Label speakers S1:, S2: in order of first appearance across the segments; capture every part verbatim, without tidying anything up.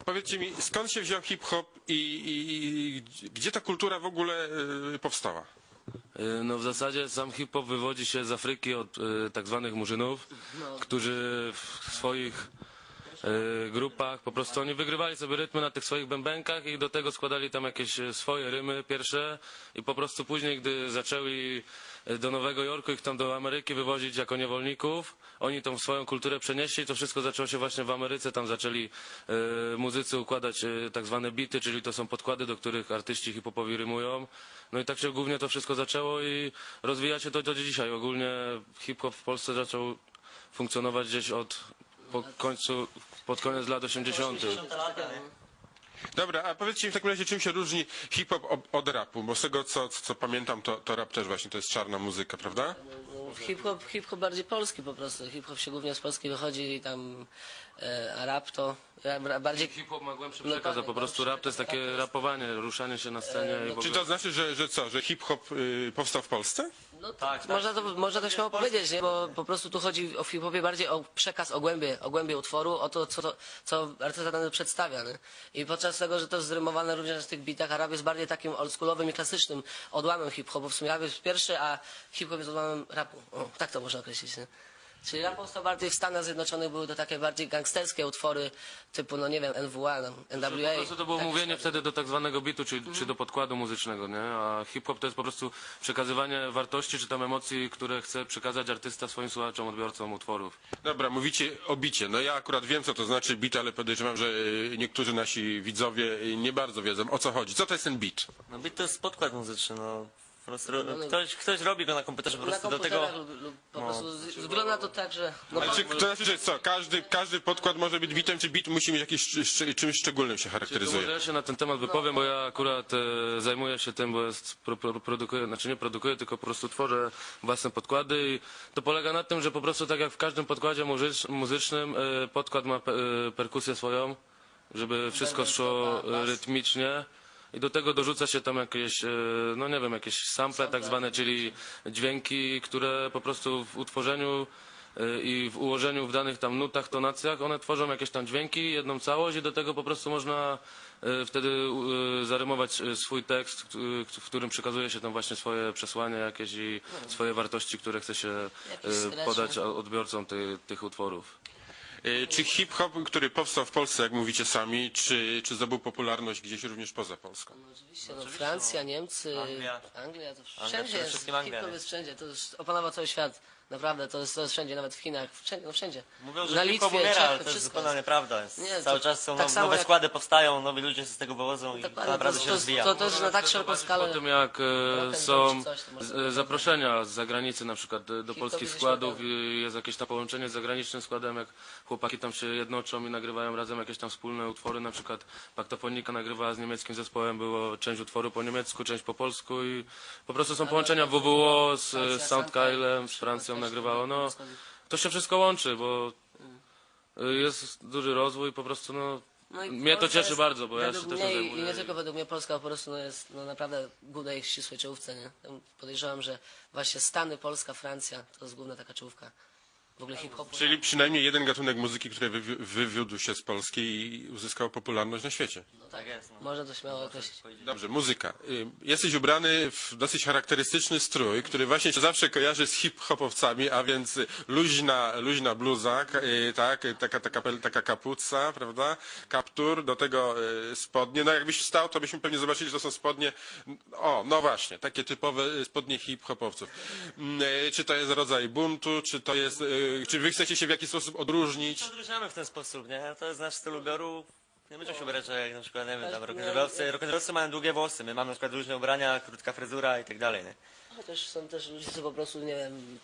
S1: Powiedzcie mi, skąd się wziął hip-hop i, i, i gdzie ta kultura w ogóle y, powstała?
S2: No w zasadzie sam hip-hop wywodzi się z Afryki od y, tak zwanych murzynów, którzy w swoich y, grupach po prostu oni wygrywali sobie rytmy na tych swoich bębenkach i do tego składali tam jakieś swoje rymy pierwsze i po prostu później, gdy zaczęli do Nowego Jorku, ich tam do Ameryki wywozić jako niewolników, oni tą swoją kulturę przenieśli, to wszystko zaczęło się właśnie w Ameryce, tam zaczęli y, muzycy układać y, tak zwane bity, czyli to są podkłady, do których artyści hip-hopowi rymują. No i tak się głównie to wszystko zaczęło i rozwija się to do dzisiaj. Ogólnie hip-hop w Polsce zaczął funkcjonować gdzieś od po końcu, pod koniec lat osiemdziesiątych.
S1: Dobra, a powiedzcie mi w takim razie, czym się różni hip-hop od rapu? Bo z tego, co, co pamiętam, to, to rap też właśnie to jest czarna muzyka, prawda?
S3: Hip-hop hip -hop bardziej polski po prostu. Hip-hop się głównie z Polski wychodzi i tam e, a rap to rap, bardziej...
S2: Hip-hop ma głębszy przekaz, a po prostu rap to jest takie rapowanie, ruszanie się na scenie. I w ogóle...
S1: Czy to znaczy, że, że co, że hip-hop y, powstał w Polsce?
S3: No tak, tak. Można to, można to śmiało powiedzieć, nie? Bo po prostu tu chodzi o hip-hopie bardziej o przekaz, o głębie, o głębie utworu, o to, co, to, co artysta dany przedstawia. Nie? I podczas tego, że to jest zrymowane również w tych bitach, a rap jest bardziej takim oldschoolowym i klasycznym odłamem hip-hopu. W sumie rap jest pierwszy, a hip-hop jest odłamem rapu. O, tak to można określić. Nie? Czyli rap powstał bardziej w Stanach Zjednoczonych, były to takie bardziej gangsterskie utwory typu, no nie wiem, N W A, no, N W A.
S2: Po prostu to było
S3: tak,
S2: mówienie wtedy do tak zwanego bitu, czy, czy do podkładu muzycznego, nie? A hip-hop to jest po prostu przekazywanie wartości, czy tam emocji, które chce przekazać artysta swoim słuchaczom, odbiorcom utworów.
S1: Dobra, mówicie o bicie. No ja akurat wiem, co to znaczy bit, ale podejrzewam, że y, niektórzy nasi widzowie y, nie bardzo wiedzą, o co chodzi. Co to jest ten bit?
S4: No beat to jest podkład muzyczny, no. Po prostu ktoś, ktoś robi go na komputerze, po
S3: Na
S4: prostu do tego...
S3: komputerach lub, lub po prostu z- wygląda to tak, że... No,
S1: Ale czy, to znaczy, że co, każdy, każdy podkład może być bitem, czy bit musi mieć jakieś szcz- szcz- czymś szczególnym się
S2: To
S1: charakteryzuje?
S2: może ja się na ten temat wypowiem, bo ja akurat e, zajmuję się tym, bo jest, pro, pro, produkuję, znaczy nie produkuję, tylko po prostu tworzę własne podkłady i to polega na tym, że po prostu tak jak w każdym podkładzie muzycz, muzycznym e, podkład ma pe, e, perkusję swoją, żeby wszystko szło e, rytmicznie. I do tego dorzuca się tam jakieś, e, no nie wiem, jakieś sample tak zwane, czyli dźwięki, które po prostu w utworzeniu e, i w ułożeniu w danych tam nutach, tonacjach, one tworzą jakieś tam dźwięki, jedną całość i do tego po prostu można e, wtedy e, zarymować e, swój tekst, k- w którym przekazuje się tam właśnie swoje przesłanie jakieś i swoje wartości, które chce się
S3: Jakiś
S2: e,
S3: scratch,
S2: podać
S3: nie?
S2: odbiorcom ty, tych utworów.
S1: Y, Czy hip-hop, który powstał w Polsce, jak mówicie sami, czy, czy zdobył popularność gdzieś również poza Polską?
S3: No oczywiście, no, Francja, Niemcy,
S4: Anglia.
S3: Anglia, to
S4: Anglia,
S3: wszędzie
S4: przede
S3: jest,
S4: wszystkim Anglia,
S3: hip-hop
S4: nie?
S3: jest wszędzie, to już opanował cały świat, naprawdę, to jest, to jest wszędzie, nawet w Chinach, wszędzie, no wszędzie.
S4: Mówią, że
S3: Na
S4: hip-hop
S3: Litwie,
S4: umiera, ale
S3: Czechy,
S4: to jest
S3: wszystko
S4: zupełnie nieprawda. Jest.
S3: Nie,
S4: Cały
S3: to-
S4: czas są
S3: tak
S4: now-
S3: samo
S4: nowe
S3: jak-
S4: składy powstają, nowi ludzie się z tego wywodzą i to
S3: Dokładnie,
S4: naprawdę
S3: to-
S4: się
S3: to-
S4: rozwija.
S3: to- to jest na tak szeroką skalę.
S2: Po tym jak e,
S3: Rock and
S2: są
S3: roll czy coś, to może
S2: z-
S3: być
S2: zaproszenia z zagranicy na przykład e, do
S3: Hip-hop
S2: polskich
S3: jest
S2: składów
S3: świetny.
S2: i jest jakieś tam połączenie z zagranicznym składem, jak chłopaki tam się jednoczą i nagrywają razem jakieś tam wspólne utwory, na przykład Paktofonika nagrywała z niemieckim zespołem, było część utworu po niemiecku, część po polsku i po prostu są połączenia W W O z,
S3: Francja,
S2: z Soundkylem, z Francją nagrywało, no to się wszystko łączy, bo e, jest duży rozwój, po prostu no
S3: No i
S2: mnie to
S3: Polska
S2: cieszy
S3: jest
S2: bardzo, bo ja
S3: według
S2: się też
S3: mnie
S2: tym
S3: i- I
S2: zajmuję.
S3: nie tylko według mnie Polska po prostu no jest no naprawdę w głównej ścisłej czołówce, nie? Tam podejrzewam, że właśnie Stany, Polska, Francja to jest główna taka czołówka. W ogóle hip-hopu.
S1: Czyli przynajmniej jeden gatunek muzyki, który wywi- wywiódł się z Polski i uzyskał popularność na świecie.
S3: No tak,
S4: Tak jest, no.
S3: można to śmiało określić.
S1: Dobrze, muzyka. Y, Jesteś ubrany w dosyć charakterystyczny strój, który właśnie się zawsze kojarzy z hip-hopowcami, a więc luźna, luźna bluza, ka- y, tak, taka, taka, pel- taka kapuca, prawda, kaptur, do tego y, spodnie. No jakbyś wstał, to byśmy pewnie zobaczyli, że to są spodnie, o, no właśnie, takie typowe y, spodnie hip-hopowców. Mm, y, Czy to jest rodzaj buntu, czy to jest, y, czy wy chcecie się w jakiś sposób odróżnić?
S4: Odróżniamy w ten sposób, nie? To jest nasz styl ubioru. Nie będziemy się ubierać jak na przykład, nie wiem, tam rock'n'rollowcy. Rock'n'rollowcy mają długie włosy, my mamy na przykład różne ubrania, krótka fryzura i tak dalej, nie?
S3: Chociaż są też ludzie, co po prostu, nie wiem,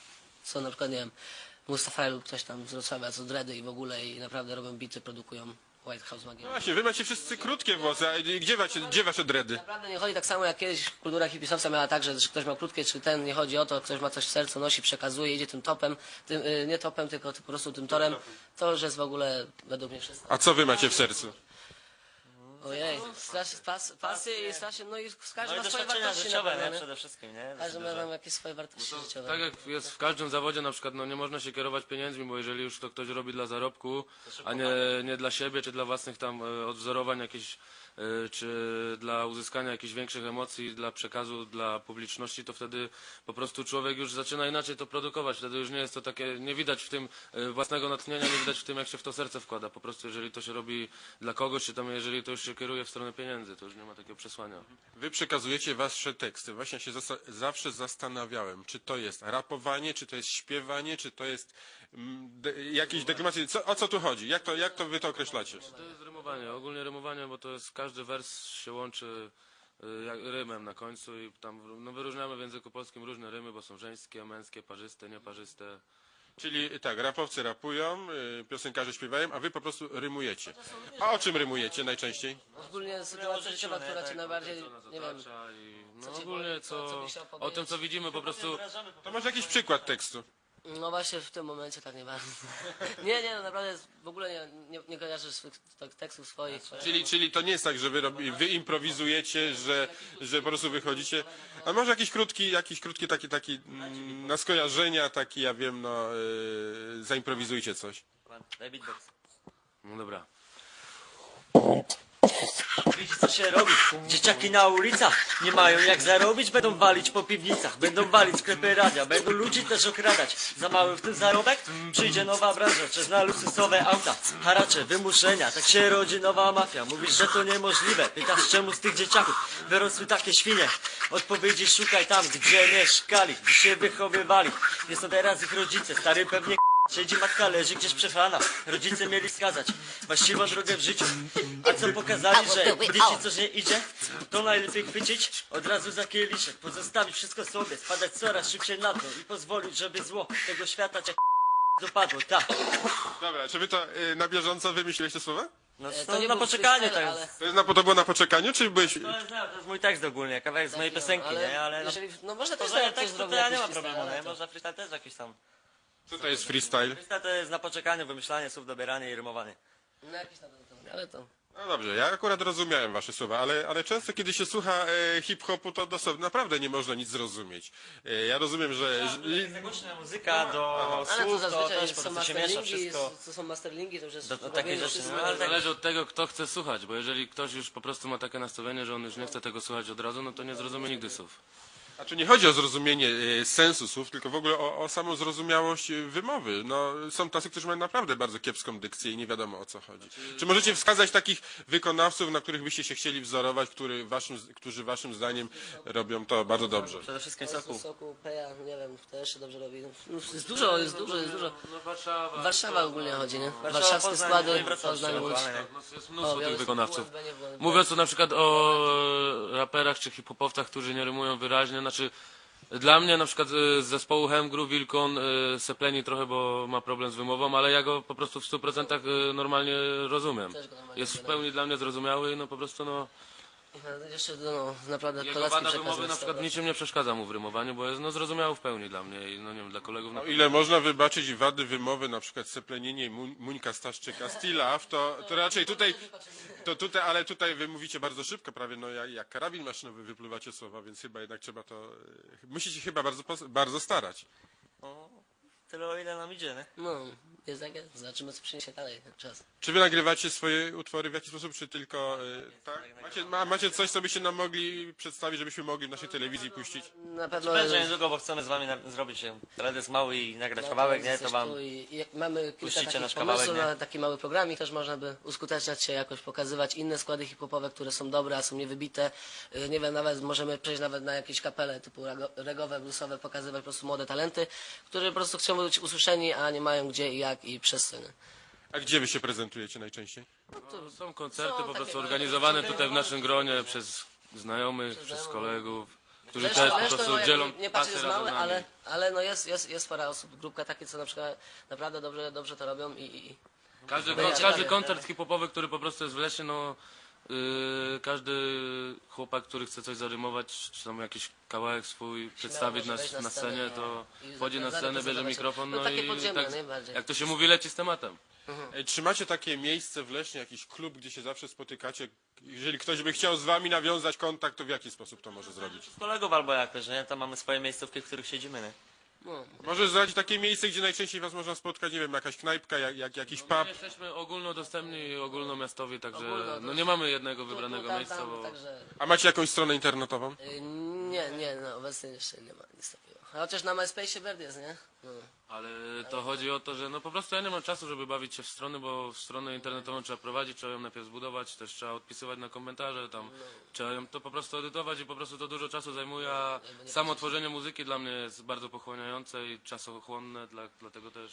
S3: są na przykład, nie wiem, Mustafa lub ktoś tam z Wrocławia, co dready i w ogóle i naprawdę robią bity, produkują White House Magic.
S1: No właśnie, wy macie wszyscy krótkie włosy, a gdzie wasze, gdzie wasze dredy?
S3: Naprawdę nie chodzi tak samo jak kiedyś kultura hipisowca miała tak, że, że ktoś ma krótkie czy ten, nie chodzi o to, ktoś ma coś w sercu, nosi, przekazuje, idzie tym topem, tym, y, nie topem, tylko po prostu tym torem, to już jest w ogóle według mnie wszystko.
S1: A co wy macie w sercu?
S3: Ojej, strasznie, pas, pasje i strasznie, no i każdy
S4: No i
S3: ma swoje
S4: doświadczenia
S3: wartości na
S4: życiowe,
S3: pewno,
S4: nie?
S3: nie?
S4: Przede wszystkim, nie?
S3: Każdy
S4: Dosyć
S3: ma
S4: duże.
S3: tam jakieś swoje wartości życiowe.
S2: Tak jak jest w każdym zawodzie na przykład, no nie można się kierować pieniędzmi, bo jeżeli już to ktoś robi dla zarobku, a nie, nie dla siebie, czy dla własnych tam e, odwzorowań jakichś, e, czy dla uzyskania jakichś większych emocji, dla przekazu, dla publiczności, to wtedy po prostu człowiek już zaczyna inaczej to produkować. Wtedy już nie jest to takie, nie widać w tym e, własnego natchnienia, nie widać w tym, jak się w to serce wkłada. Po prostu jeżeli to się robi dla kogoś, czy tam jeżeli to już się kieruje w stronę pieniędzy, to już nie ma takiego przesłania.
S1: Wy przekazujecie wasze teksty. Właśnie się zasta- zawsze zastanawiałem, czy to jest rapowanie, czy to jest śpiewanie, czy to jest mm, de- jakieś deklamacje. Co, o co tu chodzi? Jak to, jak to wy to określacie?
S2: To jest rymowanie, ogólnie rymowanie, bo to jest każdy wers się łączy y, jak, rymem na końcu i tam no, wyróżniamy w języku polskim różne rymy, bo są żeńskie, męskie, parzyste, nieparzyste.
S1: Czyli tak, rapowcy rapują, y, piosenkarze śpiewają, a wy po prostu rymujecie. A o czym rymujecie najczęściej?
S3: Ogólnie sytuacja życiowa, która cię najbardziej,
S2: Co nas
S3: nie wiem,
S2: otacza i no,
S3: cię
S2: ogólnie
S3: boli, co- co
S2: co,
S3: byś chciał
S2: o tym
S3: powiedzieć?
S2: co widzimy po prostu.
S1: To może jakiś przykład tekstu.
S3: no właśnie w tym momencie tak nie bardzo. Nie, nie, no naprawdę w ogóle nie, nie, nie kojarzysz swych tak, tekstów swoich.
S1: Czyli, czyli to nie jest tak, że wy, robi, wy improwizujecie, że, że po prostu wychodzicie. A może jakiś krótki, jakiś krótki taki, taki mm, na skojarzenia, taki ja wiem, no y, zaimprowizujcie coś.
S4: Daj beatbox.
S2: No dobra.
S4: Widzi co się robi, dzieciaki na ulicach nie mają jak zarobić, będą walić po piwnicach, będą walić sklepy radia, będą ludzi też okradać. Za mały w tym zarobek przyjdzie nowa branża, czas na luksusowe auta, haracze, wymuszenia, tak się rodzi nowa mafia. Mówisz, że to niemożliwe, pytasz czemu z tych dzieciaków wyrosły takie świnie. Odpowiedzi szukaj tam, gdzie mieszkali, gdzie się wychowywali. Nie są teraz ich rodzice, stary pewnie siedzi matka, leży gdzieś przechlana. Rodzice mieli wskazać właściwą drogę w życiu. A co pokazali, że gdy ci coś nie idzie, to najlepiej chwycić od razu za kieliszek, pozostawić wszystko sobie, spadać coraz szybciej na dno i pozwolić, żeby zło tego świata cię dopadło. Tak.
S1: Dobra, czy wy to y, na bieżąco wymyśliłeś słowa?
S4: No,
S3: E,
S4: to
S3: to nie
S4: na
S3: był
S4: poczekaniu
S3: freestyle,
S4: to
S3: ale-
S4: jest.
S1: To, jest na, to było na poczekaniu, czy byłeś...
S4: To jest, to jest mój tekst ogólnie, kawałek z mojej piosenki, nie? Ale no,
S3: jeżeli, no można też
S4: poza
S3: zrobić
S4: tekstu to
S3: zrobić
S4: ja nie
S3: jakiś
S4: mam
S3: freestyle,
S4: problemu,
S3: ale
S4: nie?
S3: to-
S4: Można freestyle też jakiś tam.
S1: Co to jest freestyle?
S4: Freestyle to jest na poczekaniu, wymyślanie słów, dobieranie i rymowanie.
S3: No jakiś tam, ale to...
S1: No dobrze, ja akurat rozumiałem wasze słowa, ale, ale często kiedy się słucha e, hip-hopu, to dosłownie naprawdę nie można nic zrozumieć. E, ja rozumiem, że... że
S4: Jest głośna muzyka do
S3: Ale to
S4: słów, to
S3: zazwyczaj
S4: też po
S3: są
S4: prostu się miesza
S3: masterlingi,
S4: wszystko.
S3: to są masterlingi, to już jest
S4: Do- do
S3: robienie
S4: takich rzeczy,
S3: wszystko.
S4: no, ale tak-
S2: Zależy od tego, kto chce słuchać, bo jeżeli ktoś już po prostu ma takie nastawienie, że on już nie chce tego słuchać od razu, no to nie zrozumie nigdy słów.
S1: A czy nie chodzi o zrozumienie e, sensu słów, tylko w ogóle o, o samą zrozumiałość e, wymowy. No, są tacy, którzy mają naprawdę bardzo kiepską dykcję i nie wiadomo o co chodzi. Czy możecie wskazać takich wykonawców, na których byście się chcieli wzorować, który waszym, którzy waszym zdaniem robią to bardzo dobrze?
S4: Przede wszystkim
S3: Soku,
S4: soku.
S3: soku, Peja, nie wiem, kto jeszcze dobrze robi. No, jest dużo, jest dużo, jest dużo.
S2: No Warszawa.
S3: Warszawa ogólnie chodzi, nie?
S4: Warszawa,
S3: Warszawskie
S4: Poznań,
S3: składy,
S4: no i Wrocław,
S3: Poznań, Łódź.
S4: aktualnie, nie?
S2: No, jest
S3: O,
S2: mnóstwo tych
S3: Białystok,
S2: wykonawców.
S3: U S B, nie było.
S2: Mówiąc tu na przykład o raperach czy hip-hopowcach, którzy nie rymują wyraźnie, znaczy dla mnie na przykład y, z zespołu Hemgru Wilkon y, sepleni trochę, bo ma problem z wymową, ale ja go po prostu w stu procentach y, normalnie rozumiem.
S3: Też go normalnie
S2: Jest w
S3: rozumiem.
S2: pełni dla mnie zrozumiały i no po prostu no
S3: No, jeszcze, no, naprawdę
S2: jego
S3: kolacki
S2: wada
S3: przekaz
S2: wymowy
S3: jest
S2: na przykład
S3: dobra.
S2: niczym nie przeszkadza mu w rymowaniu, bo jest no zrozumiały w pełni dla mnie i no nie wiem, dla kolegów na
S1: O ile można wybaczyć wady wymowy, na przykład seplenienie Muń- Muńka Staszczyka, Stilaw, to, to raczej tutaj, to tutaj, ale tutaj wy mówicie bardzo szybko, prawie no jak, jak karabin maszynowy wypluwacie słowa, więc chyba jednak trzeba to, e, musicie chyba bardzo, pos- bardzo starać.
S4: O, tyle o ile nam idzie, nie?
S3: No, jest takie, zobaczymy co przyniesie dalej ten czas.
S1: Czy wy nagrywacie swoje utwory w jakiś sposób, czy tylko, e, tak? Macie, ma, macie coś, co byście nam mogli przedstawić, żebyśmy mogli w naszej telewizji puścić?
S3: Na pewno
S4: Będzie niedługo, bo chcemy z wami na, zrobić się teledysk mały i nagrać kawałek, nie? To wam...
S3: I, i mamy kilka
S4: puścicie
S3: takich
S4: nasz
S3: pomysłów
S4: kawałek, nie?
S3: na taki mały programik, też można by uskuteczniać się, jakoś pokazywać inne składy hip-hopowe, które są dobre, a są niewybite. Y, Nie wiem, nawet możemy przejść nawet na jakieś kapele typu rego- regowe, bluesowe, pokazywać po prostu młode talenty, które po prostu chcą być usłyszeni, a nie mają gdzie i jak i przez co. nie?
S1: A gdzie wy się prezentujecie najczęściej?
S2: No, są koncerty
S3: Są
S2: po
S3: takie
S2: prostu
S3: małe
S2: organizowane
S3: koncerty.
S2: tutaj w naszym gronie przez znajomych, przez
S3: znajomych.
S2: kolegów, którzy
S3: Zresztą-
S2: też po
S3: zresztą,
S2: prostu
S3: no, jakby
S2: dzielą
S3: nie patrzeć
S2: pasję
S3: jest
S2: razem
S3: małe,
S2: z nami.
S3: ale, ale no jest, jest, jest parę osób, grupka takie, co na przykład naprawdę dobrze, dobrze to robią i, i
S2: Każdy,
S3: Będzie
S2: każdy
S3: ciekawie.
S2: koncert hip-hopowy, który po prostu jest w lesie, no yy, każdy chłopak, który chce coś zarymować, czy tam jakiś kawałek swój przedstawić
S3: może
S2: na,
S3: wejść na
S2: na
S3: scenę
S2: scenie, to
S3: i
S2: wchodzi na scenę, bierze
S3: zaprezentować się.
S2: mikrofon,
S3: No
S2: no
S3: takie
S2: i
S3: podziemne,
S2: tak,
S3: najbardziej.
S2: jak to się mówi, leci z tematem.
S1: E, Czy macie takie miejsce w Lesznie, jakiś klub, gdzie się zawsze spotykacie? Jeżeli ktoś by chciał z wami nawiązać kontakt, to w jaki sposób to może zrobić?
S4: Z kolegów albo jakoś, nie? Tam mamy swoje miejscówki, w których siedzimy, nie?
S3: No.
S1: Może zdradzić takie miejsce, gdzie najczęściej was można spotkać, nie wiem, jakaś knajpka, jak, jak, jakiś
S2: My
S1: pub?
S2: jesteśmy ogólnodostępni i ogólnomiastowi, także
S3: Ogólno,
S2: no
S3: to
S2: nie mamy jednego
S3: Tu, tu,
S2: wybranego
S3: tam,
S2: miejsca,
S3: tam,
S2: bo
S3: Także,
S1: A macie jakąś stronę internetową?
S3: y, nie, nie, no obecnie jeszcze nie ma nic takiego. A chociaż na MySpace Bird jest, nie? No.
S2: ale to chodzi o to, że no po prostu ja nie mam czasu, żeby bawić się w strony, bo stronę internetową trzeba prowadzić, trzeba ją najpierw zbudować, też trzeba odpisywać na komentarze, tam trzeba ją to po prostu edytować i po prostu to dużo czasu zajmuje, a samo tworzenie muzyki dla mnie jest bardzo pochłaniające i czasochłonne, dla, dlatego też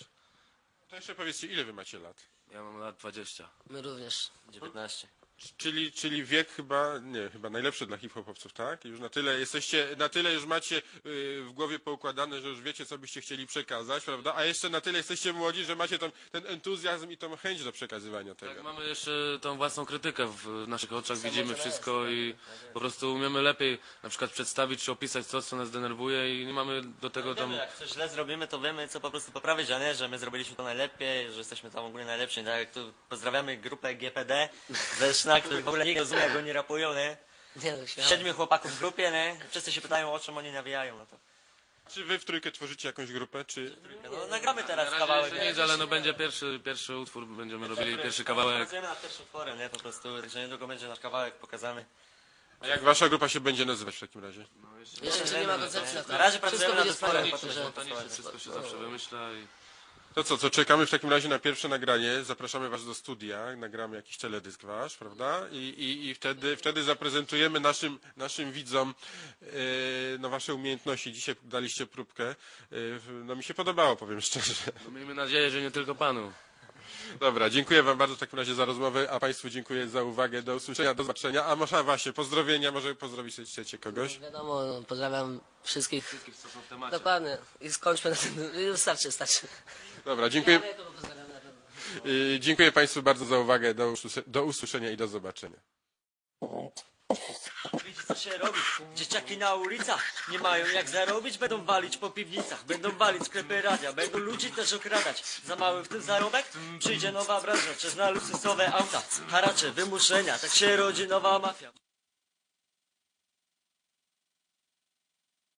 S1: To jeszcze powiedzcie, ile wy macie lat?
S2: ja mam lat dwadzieścia.
S3: My również.
S4: dziewiętnaście.
S1: Czyli, czyli wiek chyba, nie, chyba najlepszy dla hip-hopowców, tak? Już na tyle jesteście, na tyle już macie y, w głowie poukładane, że już wiecie, co byście chcieli przekazać, prawda? A jeszcze na tyle jesteście młodzi, że macie tam ten entuzjazm i tą chęć do przekazywania tego.
S2: Tak, mamy jeszcze tą własną krytykę w naszych oczach, widzimy wszystko i po prostu umiemy lepiej na przykład przedstawić czy opisać to, co nas denerwuje i nie mamy do tego tam...
S4: Wiemy, jak coś źle zrobimy, to wiemy, co po prostu poprawić, a nie, że my zrobiliśmy to najlepiej, że jesteśmy tam ogólnie najlepsi. Tak jak tu pozdrawiamy grupę G P D ze Leszna, którzy w ogóle nikt nie rozumie, jak oni rapują, nie?
S3: Nie no, śmiało.
S4: Siedmiu chłopaków w grupie, nie? Wszyscy się pytają, o czym oni nawijają, no to...
S1: Czy wy w trójkę tworzycie jakąś grupę, czy...
S4: No, nagramy teraz
S2: Na razie
S4: kawałek.
S2: jeszcze nic, ale no będzie pierwszy, pierwszy utwór, będziemy robili pierwszy kawałek.
S4: Pracujemy nad pierwszym utworem, nie? Po prostu, także niedługo będzie nasz kawałek pokazany.
S1: A jak wasza grupa się będzie nazywać w takim razie?
S3: Jeszcze nie ma koncepcji na to.
S4: Na razie
S3: Wszystko
S4: pracujemy
S3: będzie
S4: nad utworem,
S3: spontaniczne, że...
S2: Spontanicznie wszystko się zawsze wymyśla i...
S1: To co, co czekamy w takim razie na pierwsze nagranie, zapraszamy was do studia, nagramy jakiś teledysk wasz, prawda? I, i, i wtedy, wtedy zaprezentujemy naszym, naszym widzom e, no, wasze umiejętności. Dzisiaj daliście próbkę, e, no mi się podobało, powiem szczerze.
S2: No, miejmy nadzieję, że nie tylko panu.
S1: Dobra, dziękuję wam bardzo w takim razie za rozmowę, a państwu dziękuję za uwagę, do usłyszenia, do zobaczenia. A może właśnie, pozdrowienia, może pozdrowić chcecie kogoś?
S3: Wiadomo, no, pozdrawiam wszystkich.
S2: Wszystkich, co są w temacie.
S3: Dokładnie. I skończmy na tym. Już starczy, starczy.
S1: Dobra, dziękuję,
S3: Ja kogo pozdrawiam na pewno.
S1: y, dziękuję państwu bardzo za uwagę, do, usłysze- do usłyszenia i do zobaczenia.
S4: Widzisz, co się robi? Dzieciaki na ulicach nie mają jak zarobić, będą walić po piwnicach, będą walić sklepy radia, będą ludzi też okradać. Za mały w tym zarobek? Przyjdzie nowa branża, przez na luksusowe auta, haracze, wymuszenia, tak się rodzi nowa mafia.